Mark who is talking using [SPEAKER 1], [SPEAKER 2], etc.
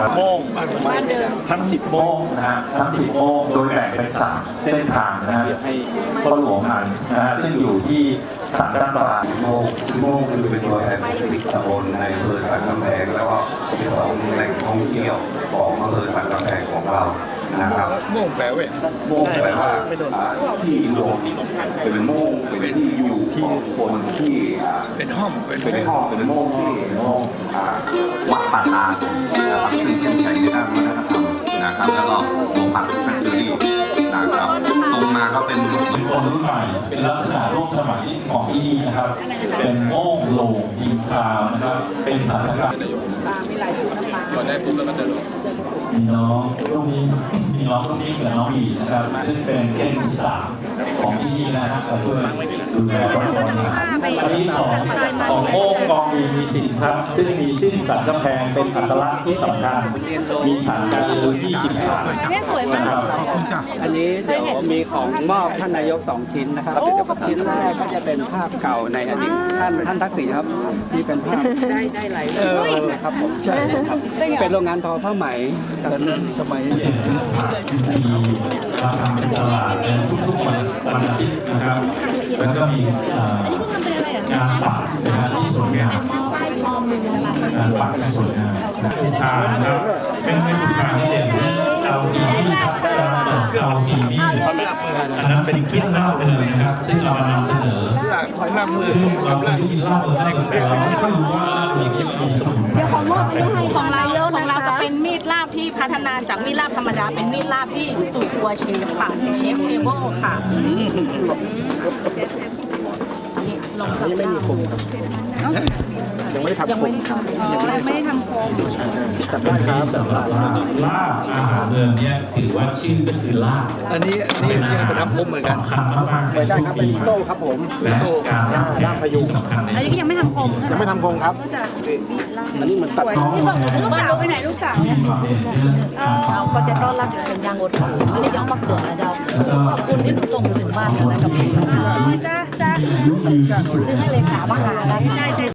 [SPEAKER 1] โม่งทั้ง10โม่งนะฮะทั้ง10โม่งโดยแบ่งเป็น3เส้นทางนะฮะให้พ่อหลวงหันนะฮะซึ่งอยู่ที่สันตั้งตลาด
[SPEAKER 2] โมงคือเป็นตัวแทน10 ตำบลในอำเภอสันกำแพงแล้วก็12 แหล่งท่องเที่ยวของอำเภอสันกำแพงของเรานะครับโม่งแปลว่าโม่งแปลว่าที่รวมเป็นโม่งเป็นที่อยู่ของคนที่เป็นห้องเป็นโม่งที่วัดป่าตานะครับซึ่งเข้มแข็งในด้านวัฒนธรรมนะครับแล้วก็โรงผักแฟคทอรี่นะครับตรงมาก็เป็น
[SPEAKER 1] คนรุ่นใหม่เป็นลักษณะร่วมสมัยของที่นี่นะครับเป็นโม่งโลงดินคราวนะครับเป็นหัตถกรรม
[SPEAKER 3] มีหลายชุดน้ำปลา
[SPEAKER 2] ก่อนได้ปุ๊บแล้วก็จะลง
[SPEAKER 1] มีน้องลูกนี้กับน้องบีนะครับซึ่งเป็นเก้งที่3ของที่นี่นะครับมาช่วยดูแลวัฒนธรรมอันนี้ของโม่งกองมีสินครับซึ่งมีสิ้นสันกำแพงเป็นอัตลักษณ์ที่สำคัญมีฐานการเรียนรู้20 ฐานนะครับ
[SPEAKER 4] อันนี้เดี๋ยวมีของมอบท่านนายก2 ชิ้นนะครับชิ้นแรกก็จะเป็นภาพเก่าในอดีตท่านทักษิณครับที่เป็นภาพ
[SPEAKER 3] ได้หลาย
[SPEAKER 4] ครับผมใช่ครับเป็นโรงงานทอผ้าไหมตอนนั้นสมัย
[SPEAKER 1] ราคาเป็นตลาดทุกๆวันอาทิตย์นะครับแล้วก็มีงานปักนะครับที่สวยงามงานปักที่สวยงามทางนะครับเป็นทางที่เด่นเอาทีวีครับเอาทีวีอันนั้นเป็นคลิปเล่าเลยนะครับซึ่งเรานำเสนอซึ่งเราได้ยินเล่าได้แต่เราไม่รู้ว่าเรื่องนี้มีสมุนไพร
[SPEAKER 5] ของเราจะเป็นมีดลาบที่พัฒนาจากมีดลาบธรรมดาเป็นมีดลาบที่สู่ตัวเชฟค่ะเชฟเทเบิลค่ะลงจากไม่มีคมครับ
[SPEAKER 4] ยังไม่ได้ทำโคม
[SPEAKER 1] แต่ได้ครับสำหรับลาบอาหารเมืองนี้ถือว่าชื่อก็คือลาบ
[SPEAKER 4] อันนี้เป็นทำโคมเหมือนกัน
[SPEAKER 1] ไม่ใช่ครับเป็นโต้ครับผมและการลาบพยุงสำคัญ
[SPEAKER 3] อันนี้ก็ยังไม่ทำโคม
[SPEAKER 4] ยังไม่ทำโคมครับอันนี้มันตัด
[SPEAKER 3] ที่ส่งลูกสาวไปไหนลูกสาวเนี่ย
[SPEAKER 5] เราก็จะต้อนรับอย่างเป็นย่างอดทนอันนี้ย้อมมาเกิดนะเจ้าขอบคุณที่หนูส่งถึงบ้านนะกับผม
[SPEAKER 3] จ้า
[SPEAKER 5] คือให้เลขามาหาได้